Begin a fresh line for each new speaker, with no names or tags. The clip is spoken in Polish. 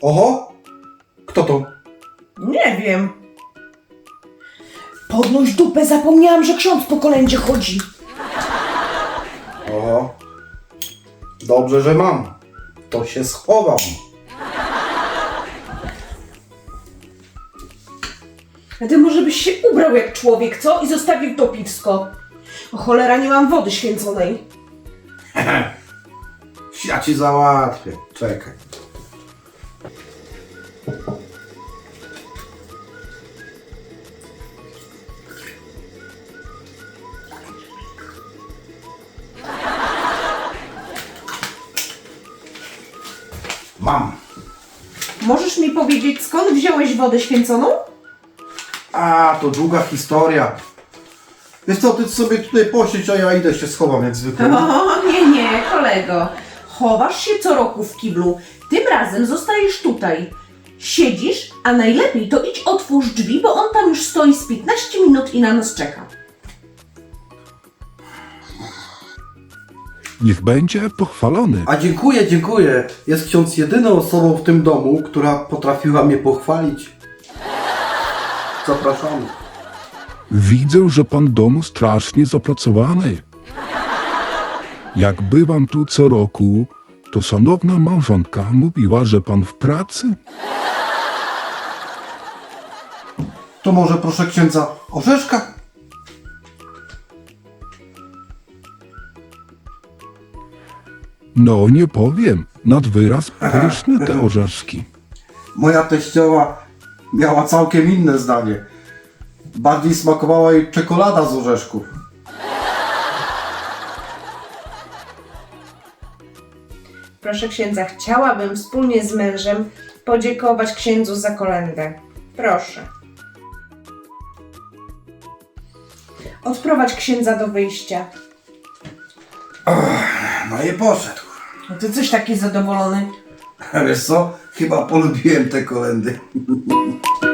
Oho! Kto to?
Nie wiem. Podnoś dupę, zapomniałam, że ksiądz po kolędzie chodzi.
Oho. Dobrze, że mam. To się schowam.
A ty może byś się ubrał jak człowiek, co? I zostawił to piwsko. O cholera, nie mam wody święconej.
Ja ci załatwię. Czekaj. Mam.
Możesz mi powiedzieć, skąd wziąłeś wodę święconą?
A, to długa historia. Wiesz co, ty sobie tutaj posiedź, a ja idę się schowam jak zwykle.
O, nie, kolego. Chowasz się co roku w kiblu. Tym razem zostajesz tutaj. Siedzisz, a najlepiej to idź otwórz drzwi, bo on tam już stoi z 15 minut i na nas czeka.
Niech będzie pochwalony.
A dziękuję, dziękuję. Jest ksiądz jedyną osobą w tym domu, która potrafiła mnie pochwalić. Zapraszamy.
Widzę, że pan domu strasznie zapracowany. Jak bywam tu co roku, to szanowna małżonka mówiła, że pan w pracy.
To może proszę księdza orzeszka?
No nie powiem, nad wyraz pyszne te orzeszki.
Moja teściowa miała całkiem inne zdanie. Bardziej smakowała jej czekolada z orzeszków.
Proszę księdza, chciałabym wspólnie z mężem podziękować księdzu za kolędę. Proszę. Odprowadź księdza do wyjścia.
No i poszedł.
A ty coś taki zadowolony.
Wiesz co? Chyba polubiłem te kolendy.